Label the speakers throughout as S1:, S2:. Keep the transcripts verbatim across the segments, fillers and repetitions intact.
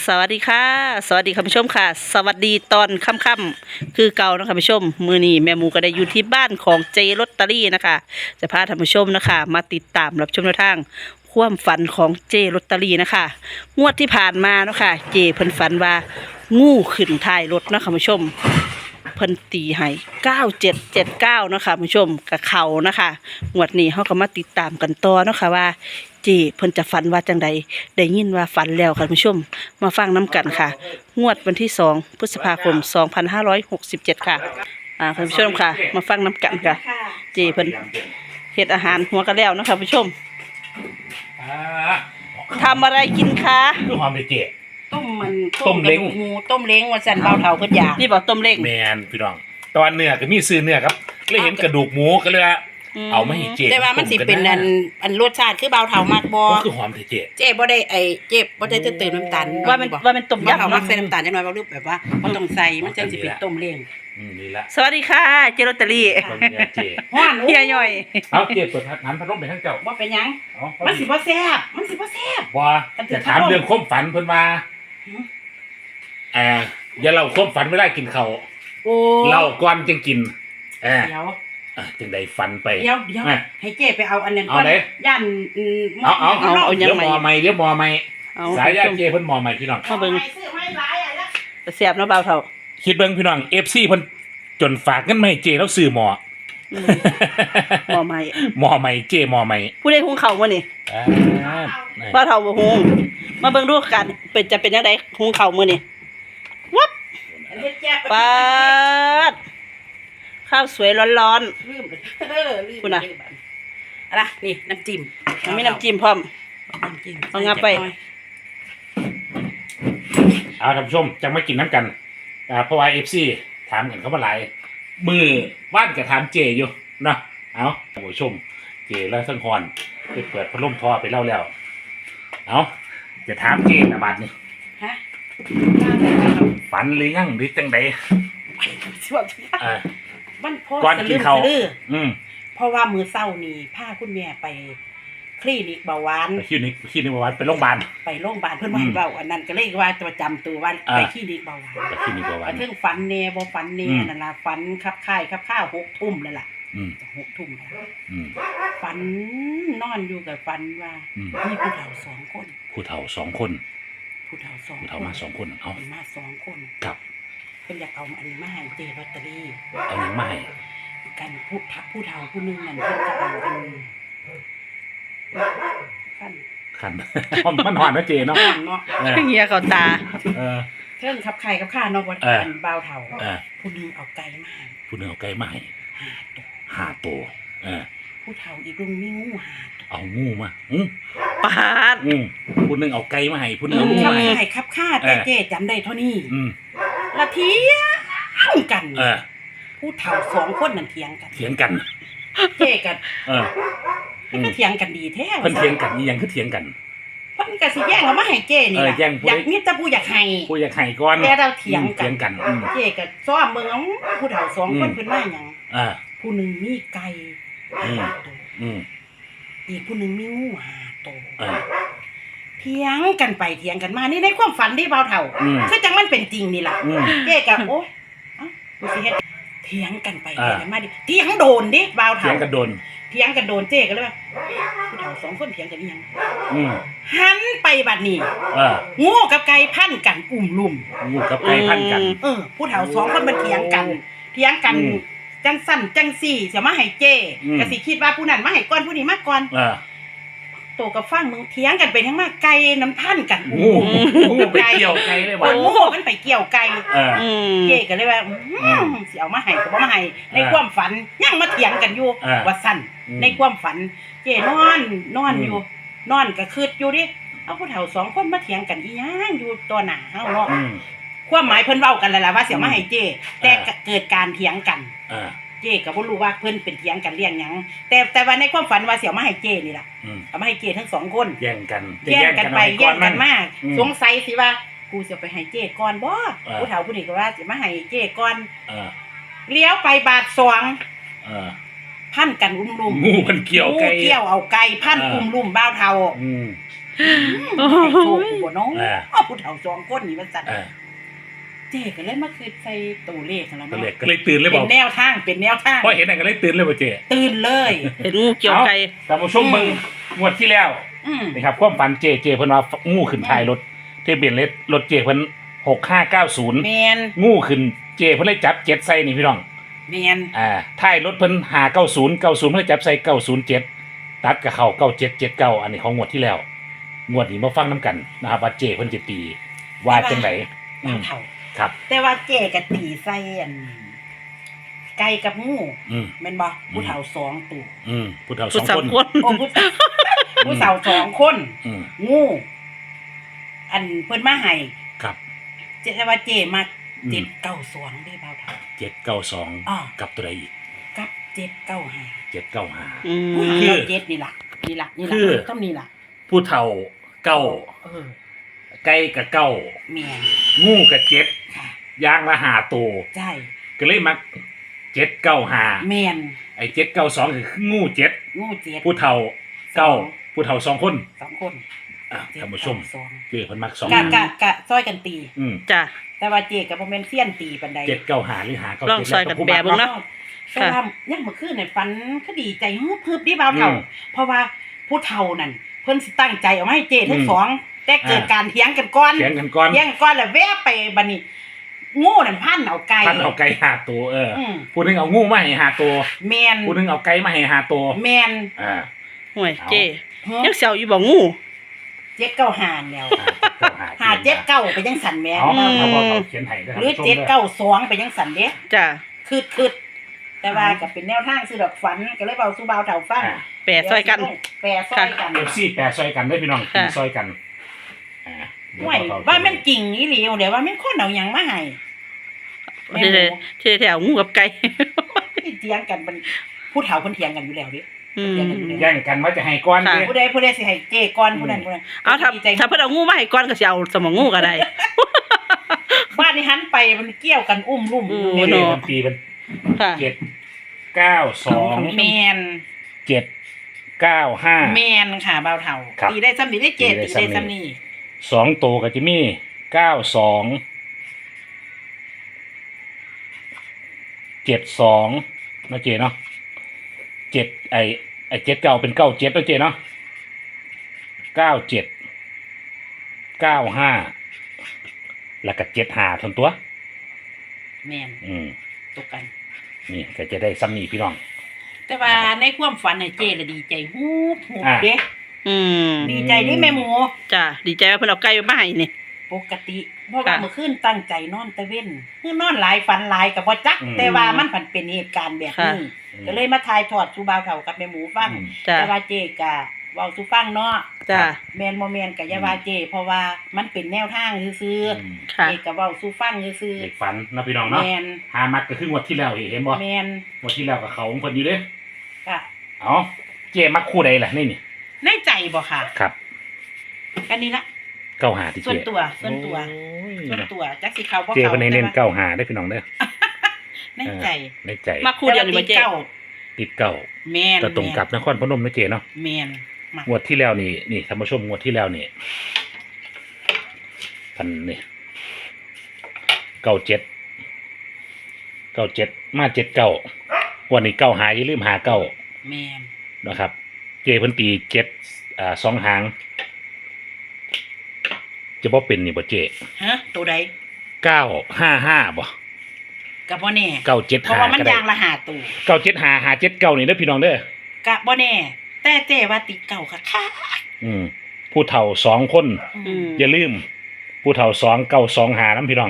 S1: สวัสดีค่ะสวัสดีคุณผู้ชมค่ะสวัสดีตอนค่ำๆคือเก่านะคะคุณผู้ชมมือนี้แม่หมูก็ได้อยู่ที่บ้านของเจลอตเตอรี่นะคะจะพาท่านผู้ชมนะคะมาติดตามรับชมแนวทางความฝันของเจลอตเตอรี่นะคะงวดที่ผ่านมาเนาะค่ะเจเพิ่นฝันว่างูขึ้นท้ายรถนะคะคุณผู้ชมเพิ่นตีให้เก้าเจ็ดเจ็ดเก้าเนาะค่ะคุณผู้ชมกับเขานะคะงวดนี้เฮาก็มาติดตามกันต่อเนาะค่ะว่าเจเพิ่นจะฝันว่าจังใดได้ยินว่าฝันแล้วค่ะคุณผู้ชมมาฟังน้ำกันค่ะงวดวันที่สองพฤษภาคมสองพันห้าร้อยหกสิบเจ็ดค่ะอ่าคุณผู้ชมค่ะมาฟังน้ำกันค่ะเจเพิ่นเฮ็ดอาหารหัวกระแล้วเนาะค่ะคุณผู้ชมทำอะไรกินคะ
S2: ด้วยความเป็นเจ๊
S3: ต้มมัน
S2: ต้มเล้ง
S3: กระดูกหมูต้มเล้งว่าสันเบาเท่าขึ้นอยาก
S1: นี่บอกต้มเล้ง
S2: แมนพี่น้องตอนเนื้อก็มีซื้อเนื้อครับเลยเห็นกระดูกหมูก็เลยว่าเอาไม่ให้เจ๊
S3: แต่ว่ามันสิเป็นอันอันรสชาติคือเบาเท่ามากบ่
S2: ก็คือหอมเถอะเจ๊
S3: เจ๊บ่ได้ไอ้เจ๊บ่ได้จะเติมน้ำตาล
S1: ว่ามันว่ามันต้ม
S3: เบาเท่าย
S1: ำ
S3: มัก
S1: เนาะ
S3: ใส่น้ำตาลจังน้อยบ่รู้แบบว่าบ่ต้องใส่มันจังสิเป็นต้มเล้ง
S2: อืมนี่ละ
S1: สวัสดีค่ะเจลอตเตอรี่
S2: ต้มเนื้อเจ๊
S3: ฮ้อน
S1: เฮียย่อย
S2: เอาเจ๊เปิดหันพัดลมไปทั้งเจ้า
S3: บ่เป็นหยัง
S2: เอา
S3: มันสิบ่แซ่บมันสิบ่แซ่บ
S2: ว่าจะถามเรื่องความฝันเพิ่นว่าเอออย่าเล่าความฝันไม่ได้กินเขาว
S3: โอ้
S2: เล่าก่อนจึงกินเออ
S3: เดี๋ยว
S2: อ่ะจึงได้ฝันไป
S3: เดี๋ยวเดี๋ยว
S2: อ่ะ
S3: ให้เจ๊ไปเอาอันนั้น
S2: เอาไหน
S3: ย่านอืม
S2: เอาเอา
S1: เอาเอายัง
S2: เดี๋ยว
S1: ไง
S2: มอใหม่เดี๋ยวมอใหม่
S1: เอา
S2: สายญาติเจ๊เพิ่นมอใหม่พี่น้อง
S1: มาเบิ่ง
S3: ซื้อไม้หลายอ่ะแล้ว
S1: เสียบเนาะเบาเท่า
S2: คิดเบิ่งพี่น้อง เอฟ ซี เพิ่นจนฝากเงินมาให้เจ๊แล้วซื้อหมอ
S1: อืมหม้อใหม่
S2: หมอใหม่เจ๊หมอใหม่
S1: ผู้ใดหุงข้าวมื้อนี่
S2: อ่า
S1: เบาเท่าบ่หุงมาเบิ่งดูกันเป็นจะเป็นจังไดหุงข้าวมื้อนี่วับ
S3: อันเฮ็ดแจ๊บ
S1: ปาดข้าวสวยร้อน
S3: ลืมเออลืม
S1: คุณน่ะ
S3: อะไรนี่น้ำจิ้ม
S1: ๆมันมีน้ำจิ้มพร้อม
S3: น้ำจิ้ม
S1: เอางับไป
S2: เอาท่านผู้ชมจังมากินน้ำกันอ่าเพราะว่า เอฟ ซี ถามกันเข้ามาหลายมือว่านกับถามเจอยู่เนาะเอาท่านผู้ชมเจแล้วทั้งฮอนไปเปิดพัดลมทอไปเล่าแล้วเอาจะถามเจนะบัดนี่
S3: ฮะ
S2: ฝันหรือยังหรือจังใด
S3: ช่วง
S2: อ่า
S3: มันพอ
S2: ก่อนกินข้าว
S3: สะลืมสะลือ
S2: อืม
S3: เพราะว่ามือเศร้านี่พาคุณแม่ไปคลินิกเบาหวาน
S2: ไปคลินิกคลินิกวันไปโรงพยาบาล
S3: ไปโรงพยาบาลเพิ่นว่า
S2: อื
S3: ให้
S2: ม
S3: เบาอันนั้นก็เลยว่าจะจำตัวว่า
S2: อ่า
S3: ไปคลินิกเบาหวาน
S2: ไปคลินิกวัน
S3: เรื่องฝันแน่บ่ฝันแน่
S2: อืม
S3: นั่นล่ะฝันคับค่ายคับข้าวหกทุ่มแล้วล่ะ
S2: อืม
S3: จะหกทุ่มแล้ว
S2: อืม
S3: ฝันนอนอยู่กับฝันว่า
S2: อืม
S3: มีผู้เฒ่าสองคน
S2: ผู้เฒ่าสองคน
S3: ผู้เฒ่าสอง
S2: ผู้เฒ่ามาสองคนเอา
S3: เพิ่นมาสองคน
S2: กลับ
S3: เพิ่นอยากเอาอันนี้มาให้เจลอตเตอรี่
S2: เอาหยังมาให้
S3: กันผู้ทักผู้เฒ่าผู้หนึงนั่นเพิ่นจะเอาอันขั้น
S2: ขัน มันหอนนะเจเนาะ
S3: อ่อนเนาะ
S2: เออ
S1: เฮียเขาตา
S2: เออ
S3: เทิงขับไข่กับข้าเนาะว่า
S2: เออ
S3: อันบ่าวเฒ่า
S2: เออ
S3: ผู้หนึงเอาไก่มาให้
S2: ผู้หนึงเอาไก่มาให้
S3: ห้าตัว
S2: ห้าตัวเออ
S3: ผู้เฒ่าอีกลุงมีงูห้าตัว
S2: เอางูมาอืม
S1: ปาด
S2: อืมผู้หนึงเอาไก่มาให้ผู้หนึงเอางู
S3: ขับ
S2: มาให้
S3: ไข่ขับข้าแต่
S2: เออ
S3: เจ๊จำได้เท่านี้
S2: อืม
S3: ละเถียงกัน
S2: เออ
S3: ผู้เฒ่าสองคนนั่นเถียงกัน
S2: เถียงกัน
S3: เจ๊กัน
S2: เอออืม
S3: ก็เถียงกันดีแท้
S2: เพิ่นเถียงกันอีหยังคือเถียงกัน
S3: เพิ่นก็สิแย่งเอามาให้เจ๊นี่
S2: เออ
S3: ล่ะ
S2: แย่งผู้
S3: อยาก
S2: ใด
S3: มีแต่ผู้อยากให้
S2: ผู้อยากให้ก่อน
S3: แต่เราเถียง
S2: อืม
S3: กั
S2: เถี
S3: น
S2: ยงกันอืม
S3: เจ๊ก็ซ้อมเบิ่งเอาผู้เฒ่าสองคน
S2: อืม
S3: เพิ่นว่าหยัง
S2: อ่า
S3: ผู้หนึงมีไก่
S2: อืม
S3: ห้าตัว
S2: อืม
S3: อีกผู้หนึงมีงูห้าตัว
S2: เออ
S3: เถียงกันไปเถียงกันมานี่ในความฝันที่เบาเท่า
S2: อืม
S3: คือจังมันเป็นจริงนี่ล่ะ
S2: อืม
S3: เจ๊กับโอ้ยเอ้าดูสิเฮ็ดเถียงกันไป
S2: อ่า
S3: เถียงกันมาดิเถียงโดนดิเบา
S2: เถีย
S3: เท่าง
S2: กันโดน
S3: เถียงกันโดนเจ๊ก็เลยว่าผู้เฒ่าสองคนเถียงกันอีหยัง
S2: อืม
S3: หันไปบัดนี้
S2: เออ
S3: งูกับไก่พันกันอุ่มลุ่ม
S2: งูกับไก่พันกัน
S3: เออ ผู้เฒ่าสองคนมันเถียงกัน เถียงกัน
S2: อืม
S3: จังสั่นจังสี่เสียมาให้เจ้
S2: อืม
S3: ก็สิคิดว่าผู้นั้นมาให้ก่อนผู้นี้มาก่อน
S2: เออ
S3: โตกับฟังมึงเถียงกันไปทั้งมาไก่น้ำพันกัน
S2: งูงูไปเกี่ยวไก่เลย
S3: ค
S2: ว่ะ
S3: นงูมันไปเกี่ยวไก่
S2: เออ
S1: อืม
S3: เจ้ก็เลยว่าอืมสิเอามาให้ก็บ่มาให้ใน
S2: เออ
S3: ความฝันยังมาเถียงกันอยู่
S2: เออ
S3: ว่าสั่น
S2: อืม
S3: ในความฝัน เจ้นอนนอน
S2: อืม
S3: อยู่ นอนก็คืดอยู่ดิเอาผู้เฒ่าสองคนมาเถียงกันอีหยังอยู่ต่อหน้าเฮาเนาะ
S2: อืม
S3: ความหมายเพิ่นเว้ากันแล้วล่ะว่าสิเอามาให้เจ้แต่
S2: เออ
S3: เกิดการเถียงกัน
S2: เออ
S3: เจ้ก็บ่รู้ว่าเพิ่นเป็นเถียงกันเรื่องหยังแต่แต่ว่าในความฝันว่าสิเอามาให้เจ้นี่ล่ะ
S2: อืม
S3: เอามาให้เจ้ทั้งสองคน
S2: แย่งกันจะ
S3: แย่งกันไป
S2: เอา
S3: แย่ง
S2: มั
S3: กันมาก
S2: อืม
S3: สงสัยสิว่ากูสิเอาไปให้เจ้ก่อนบ่
S2: เออ
S3: ผู้เฒ่าผู้นี้ก็ว่าสิมาให้เจ้ก่อน
S2: เออ
S3: เลี้ยวไปบาทสอง
S2: เออ
S3: พันกันอุ้มลุ่ม
S2: งูมันเกี่ยวไก่
S3: งูเกี่ยวเอาไก่พัน
S2: เออ
S3: อุ้มลุ่มบ้าวเฒ่า
S2: อืม
S1: โอ้
S3: ให้โชค
S1: ย
S3: บ่น้อง
S2: อ่า
S3: เอาผู้เฒ่าสองคนนี่มันสั่น
S2: เออ
S3: เจ๊ก็เลยมาคืนใส่ตัวเลขนั่นล่ะ
S2: ก็
S3: เนาะ
S2: เลยก็เลยตื่นเลยบ
S3: เป็
S2: อน ก
S3: แนวทางเป็นแนวทาง
S2: พอเห็นนั่นก็เลยตื่นเลยบ่เจ๊
S3: ตื่นเลย
S1: เห็นงูเกี่ยวไก่
S2: แต่ผู้ชม
S3: อืม
S2: เบิ่งงวดที่แล้ว
S3: อืม
S2: นะครับความฝันเจเจเพิ่นว่างูขึ้นท้ายรถทะเบียนรถรถเจเพิ่นหกห้าเก้าศูนย์
S3: แมน
S2: งูขึ้นเจเพิ่นเลยจับเจ็ดใส่นี่พี่น้อง
S3: แมน
S2: อ่าท้ายรถเพิ่นหาเก้าศูนย์เก้าศูนย์เพิ่นเลยจับใส่เก้าศูนย์เจ็ดตัดกับเขาเก้าเจ็ดเจ็ดเก้าอันนี้ของงวดที่แล้วงวดนี้มาฟังน้ำกันนะครับว่าเจเพิ่นจะตีว่าจังไดอืม
S3: เฒ่า
S2: ครับ
S3: แต่ว่าเจ๊ก็ตีใส่อันไก่กับงู
S2: อืม
S3: แม่นบ่ผู้เฒ่าสองตัว
S2: อืมผู้เฒ่าส
S1: ผู้
S2: อง
S1: สาว
S2: คน
S1: คน
S3: โอ้ผู้ผู้เฒ่าสองคน
S2: อืม
S3: งู อันเพิ่นมาให้
S2: ครับ
S3: เจ๊ว่าเจ๊มา
S2: อืม
S3: เจ็ดเก้าสองได้เบาเฒ่า
S2: เจ็ดเก้าสอง
S3: อ่า
S2: กับตัวใดอีก
S3: กับเจ็ดเก้าห้า
S2: เจ็ดเก้าห้า
S1: อืม
S2: คือ
S3: เจ็ดนี่ล่ะนี่ล่ะนี่
S2: คื
S3: ล่ะ
S2: อ
S3: ต้องนี่ล่ะ
S2: ผู้เฒ่าเก้า
S3: เออ
S2: ไก่กับเก้า
S3: แม่น
S2: งูกับเจ็ด
S3: ค่ะ
S2: ยางละหาตัว
S3: ใช่
S2: ก็เลยมักเจ็ดเก้าหา
S3: แม่น
S2: ไอ้เจ็ดเก้าสองคืองูเจ็ด
S3: งูเจ็ด
S2: ผู้เฒ่าเก้าผู้เฒ่าสองคน
S3: สองคน
S2: อ่ะ
S3: เจ็ด
S2: ท่านผู้ชม
S3: เก้าสอง
S2: เจ๊เพิ่นมักสอง
S3: กะกะกะซอยกันตี
S2: อืม
S1: จ้ะ
S3: แต่ว่าเจ๊กับบ่แม่นเซียนตีปานใด
S2: เจ็ดเก้าหาหรือหาเก้า
S1: ลอง
S2: เจ็ด
S1: ซอยกันแบะเบิ่งเนาะ
S3: แต่ว่ายังเมื่อคืนเนี่ยฝันก็ดีใจฮึบฮึบดิเบาเฒ่า เพราะว่าผู้เฒ่านั่นเพิ่นสิตั้งใจเอามาให้เจ๊ทั้งสองแต่เกิดการเถียงกันก่อน
S2: เถียงกันก่อน
S3: เถียงกันก่อนแล้วแวะไปบัดนี้งูนั่นพันเอาไก่
S2: ท่านเอาไก่หาตัวเอออ
S3: ม
S2: ผู้หนึงเอางูมาให้หาตัว
S3: แมน
S2: ผู้หนึงเอาไก่มาให้หาตัว
S3: แมน
S2: อ่า
S1: ห่วย
S2: เอา
S1: เจ้
S3: เฮ้ย
S1: ยังเสียวอยู่บ่งู
S3: เจ็ดเก้าหานแล้ว หาเจ็ดเก้าไปยังสันแหม่
S2: เอา
S1: อืม
S2: เอาเอาเอาเขียนให้ด้วย
S3: หรือเจ็ดเก้าสองไปยังสันเด้
S1: จ้ะ
S3: คืดคืดแต่ว่าก็เป็นแนวทางซื้อดอกฝันก็เลยเบาสู่เบาเฒ่าฟัง
S1: แปะซอยกัน
S3: แปรซอยกัน
S2: เอฟซีแปะซอยกันได้พี่น้อง
S1: ค่ะ
S2: ซอยกันอ่าเดี๋ยว
S3: ห่วย
S2: เอ
S3: ว่ามันจริงอีหลีเดี๋ยวว่ามันคนเอาหยังมาให้แม่
S1: ที่
S3: ห
S1: ได้
S3: มู
S1: ที่ได้แถวงูกับไก่
S3: ที่เถียงกันมันผู้เฒ่าเพิ่นเถียงกันอยู่แล้วเดิ
S1: อืม
S2: แย่งกันว่าจะให้ก้อน
S1: ค่ะ
S2: เด้
S3: ผู้ใดผู้ใดสิให้เจ้ก่อนผู้นั้นผู้นั้น
S1: เอาถ้า
S3: ดีใจ
S1: ถ้าเพิ่นเอางูมาให้ก่อนก็สิเอาสมองงูก็ได้
S3: บ้านนี้หันไปมันเกี่ยวกันอุ้มลุ่ม
S1: อืม
S3: อยู่
S2: เล
S3: เนี่ย
S2: ขมันปีเป็น
S1: ค่ะ
S2: เจ็ดเก้าสอง
S3: แมน
S2: เจ็ดเก้าห้า
S3: แมนค่ะเบาเฒ่า
S2: ครับ
S3: ตีได้ซ้ำนี่ได้เจ
S2: ตีได้
S3: ตีได้
S2: ซ้ำนี่
S3: ซ้ำนี่
S2: สองตัวก็จะมีเก้าสองเจ็ดสองนะเจเนาะเจ็ดไอไอเจ็ดเก้าเป็นเก้าเจ็ดนะเจเนาะเก้าเจ็ดเก้าห้าแล้วก็เจ็ดหาทนตัว
S3: แมน
S2: อืม
S3: ตกกัน
S2: นี่ก็จะได้ซ้ำนี่พี่น้อง
S3: แต่ว่าในความฝันน่ะเจละดีใจฮูบฮูบ
S2: อ่า
S3: เด้
S1: อืม
S3: ดีใจนี่แม่หมู
S1: จ้ะดีใจว่าเพิ่นเอาไก่มาให้นี่
S3: ปกติเพราะว่า
S1: ค่ะ
S3: เมื่อคืนตั้งใจนอนตะเว้นคือนอนหลายฝันหลายกับบ่จัก
S2: อืม
S3: แต่ว่ามันผันเป็นเหตุการณ์แบบนี้
S1: ค่ะ
S3: ก็เลยมาทายทอดสู่บ่าวเฒ่ากับแม่หมูฟัง
S2: อืม
S1: จ้ะ
S3: แต่ว่าเจก็เว้าสู่ฟังเนาะ
S1: จ้ะ
S3: แมนบ่แมนก็อย่าว่าเจ เพราะว่ามันเป็นแนวทางซื่อ
S2: อืม
S3: ๆ
S1: ค่ะ
S3: เจก็เว้าสู่ฟังซื่อ
S2: เด็กฝันนะพี่น้อง
S3: ๆ
S2: เนาะ
S3: แมน
S2: หามักก็คืองวดที่แล้วเห็นบ่
S3: แมน
S2: งวดที่แล้วกับเขาของเพิ่นอยู่เด้
S3: ก็
S2: เอาเจมักคู่ใดล่ะนี่นี่
S3: ในใจบ่ค่ะ
S2: ครับ
S3: อันนี้ละ
S2: เก้าหาที่
S3: ส่วน
S2: เจ
S3: ตัวส่วนตัว
S2: โอ้ย
S3: ส่วนตัวจักสิเขาบ่
S2: เจ
S3: เขา
S2: เพิ่นให้เน้น
S3: แต่ว่า
S2: เก้าหาได้อพี่น้องเด้อ
S3: ในใจ
S2: เออในใจ
S1: มาคู่เดียวนี่บ่เจ้
S3: แต่า
S2: ติดเก้า
S3: แม่น
S2: ก็ตรงกับนครพนมนะเจเนาะ
S3: แม่นมาง
S2: วดที่แล้วนี่นี่ท่านผู้ชมงวดที่แล้วนี่พันนี่เก้าเจ็ดเก้าเจ็ดมาเจ็ดเก้าวันนี้เก้าหาอย่าลืมหาเก้า
S3: แม่น
S2: นะครับ เจเพิ่นตีเจ็ดอ่าสองหางจะบ่เป็นนี่บ่เจ
S3: ฮะตัวใด
S2: เก้าห้าห้าบ่
S3: ก็บ่แน่
S2: เก้าเจ็ด
S3: เพราะ
S2: หา
S3: ว่ามัน
S2: ก็ได้
S3: ยางละหาตัว
S2: เก้าเจ็ดหาหาเจ็ดเก้านี่เด้อพี่น้องเด้อ
S3: ก็บ่แน่ แต่เจ้ว่าติดเก่าค่ะค่ะ
S2: อืมผู้เฒ่าสองคน
S1: อืม
S2: อย่าลืม ผู้เฒ่าสองเก้าสองหาน้ำพี่น้อง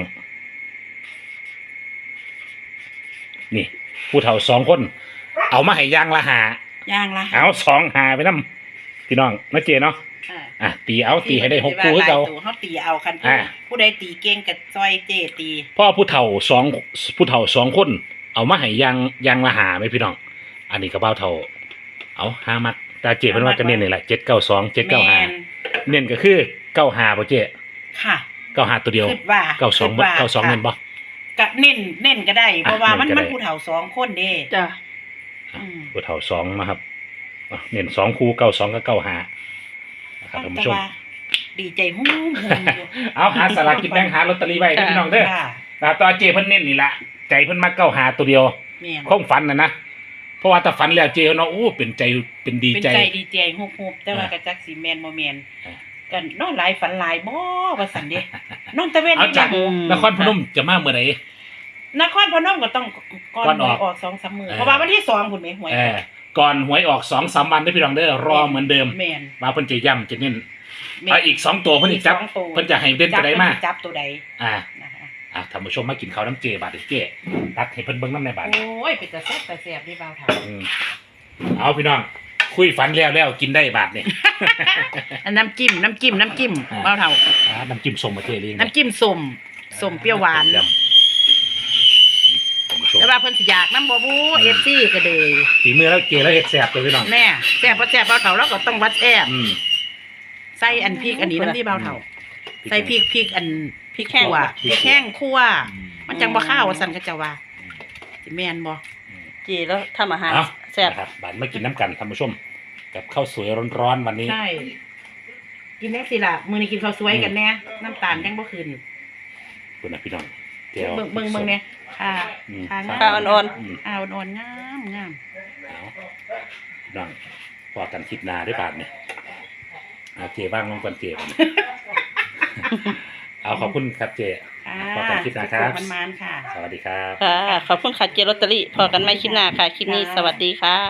S2: นี่ ผู้เฒ่าสองคน เอามาให้ย่างละหาย
S3: างละ
S2: เอาสองหาไปน้ำพี่น้องนะเจเนาะ
S3: อ่า
S2: อ่ะตีเอาตีให้ได้หกคู่ให้
S3: ที่
S2: เรา
S3: มันสิว่าหลยตัวเฮาตีเอาคันผู้
S2: อ่า
S3: ผู้ใดตีเก่งก็ซอยเจ้ตี
S2: พ่อผู้เฒ่าสองผู้เฒ่าสองคน เอามาให้ย่างย่างละหาไหมพี่น้อง อันนี้ก็เบ้าเฒ่า เอาห้ามักตาเจเป็นว่าจะเน้นนี่แหละเจ็ดเก้าสองเจ็ดเก้าหา
S3: แม่น
S2: เน้นก็คือเก้าหาป่ะเจ
S3: ค่ะ
S2: เก้าหาตัวเดียว
S3: คิดว่า
S2: เก้าสอง
S3: คิดว่า
S2: เก้าสอง
S3: ค่ะ
S2: เน้นบ่
S3: ก็เน้นเน้นก็ได้ เพราะว่ามัน
S2: เน้นก็ได้
S3: มันผู้เฒ่าสองคนเด้
S1: จ้ะ
S3: อืม
S2: ผู้เฒ่าสองนะครับอ่ะเน้นสองคู่เก้าสองกับเก้าหานะครับท่าน
S3: แต่
S2: ผู้ชม
S3: ว่าดีใจฮู้มฮู้มอยู่
S2: เอาหาสลากกินแบ่งหาลอตเตอรี่ไว้เด้อพี่น้องเด้อ
S3: ค่ะ
S2: นะครับตอนเจเพิ่นเน้นนี่ละใจเพิ่นมาเก้าหาตัวเดียว
S3: แม่น
S2: คงฝันนะนะเพราะว่าถ้าฝันแล้วเจเนาะโอ้เป็นใจเป็นดี
S3: เป็น
S2: ใจ
S3: ใจดีใจฮู้ๆแต่ว่า
S2: อ่า
S3: ก็จักสิแม่นบ่แม่น
S2: อ่า
S3: กันนอนหลายฝันหลายบ่ว่าซั่นเด้นอนตะเวน
S2: เอา
S3: นี่
S2: จาก
S3: แม่
S2: นครพนมจะมาเมื่อไหร่
S3: นครพนมก็ต้องก่อน
S2: ก่อน
S3: ห
S2: อ
S3: ว
S2: อย ก
S3: ออก สองสาม มื้อ
S2: เออ
S3: เพราะว่าวันที่สองพุ่นแม่หวย
S2: เออก่อนหวยออกสองสามวันได้อพี่น้องเด้อรอเหมือนเดิม
S3: แม่น
S2: มาเพิ่นจะย้ำจะเน้น
S3: แม่น
S2: เอาอีกสองตัวเพิ่นอีกจับ
S3: สองตัว
S2: เพิ่นจะให้เด่นตัวใดมา
S3: จับเพิ่นสิจับตัวใด
S2: อ่า
S3: นะคะ
S2: อ่ะท่านผู้ชมมากินข้าวน้ำเจบาดเด้อเจตักให้เพิ่นเบิ่งน้ำในบาด
S3: โอ้ยเป็นตาแซ่บตาแซ่บนี่บ่าวเฒ่า
S2: อืมเอาพี่น้องคุยฝันแล้วแล้วกินได้บาดนี่
S3: อันน้ำจิ้มน้ำจิ้มน้ำจิ้ม
S2: อ่า
S3: บ่าวเฒ่า
S2: อ่าน้ำจิ้มส้มมาเจเลี้ยง
S3: น้ำจิ้มส้มส้มเปรี้ยวหวาน
S2: ยำท่านผู้ชม
S3: แต่ว่าเพิ่นสิอยากน้ำบ่บู
S2: อืม
S3: เอฟซีก็เลย
S2: ฝีมือแล้วเจแล้วเฮ็ดแซ่บเลยพี่น้อง
S3: แน่แซ่บบ่แซ่บบ่าวเฒ่าเราก็ต้องวัดแซ่บ
S2: อืม
S3: ใส่อันพริกอันนี้น้ำที่บ่าวเฒ่า ใส่พริกพริกอันพริก
S2: แห้ง
S3: ขั่วพริกแห้งคั่ว
S2: อืม
S3: มันจังบ่ข้าวว่าซั่นก็จะว่าสิแม่นบ่
S1: เจแล้วทำอาหาร
S2: เอา
S1: แซ่บ
S2: นะครับบาดมากินน้ำกันท่านผู้ชมกับข้าวสวยร้อนๆวันนี้
S3: ใช่กินจังซี่ล่ะมื้อนี้กินข้าวสวยกันแน่น้ำตาลยังบ่ขึ้น
S2: คุณนะพี่น้องเจียว
S3: เบิ่งเบิ่งเบิ่งเนี่ยค่ะ
S2: อืม
S3: ค่ะงาม
S1: ข้าวอ่อน
S2: ม
S3: อ่าอ่อนๆงามงาม
S2: เอาพี่น้องพอกันคลิปหนาได้บาทเนี่ยเอาเจบ้างลงก่อนเจบัดนี้ เอาขอบคุณครับเจ
S3: ค่ะ
S2: พอกันคลิปหน้าครับ
S3: มันๆค่ะ
S2: สวัสดีครับ
S1: ๆค่ะ ขอบคุณค่ะเจลอตเตอรี่ พอกันไม่คลิปหน้าค่ะ คลิปนี้สวัสดีค่ะ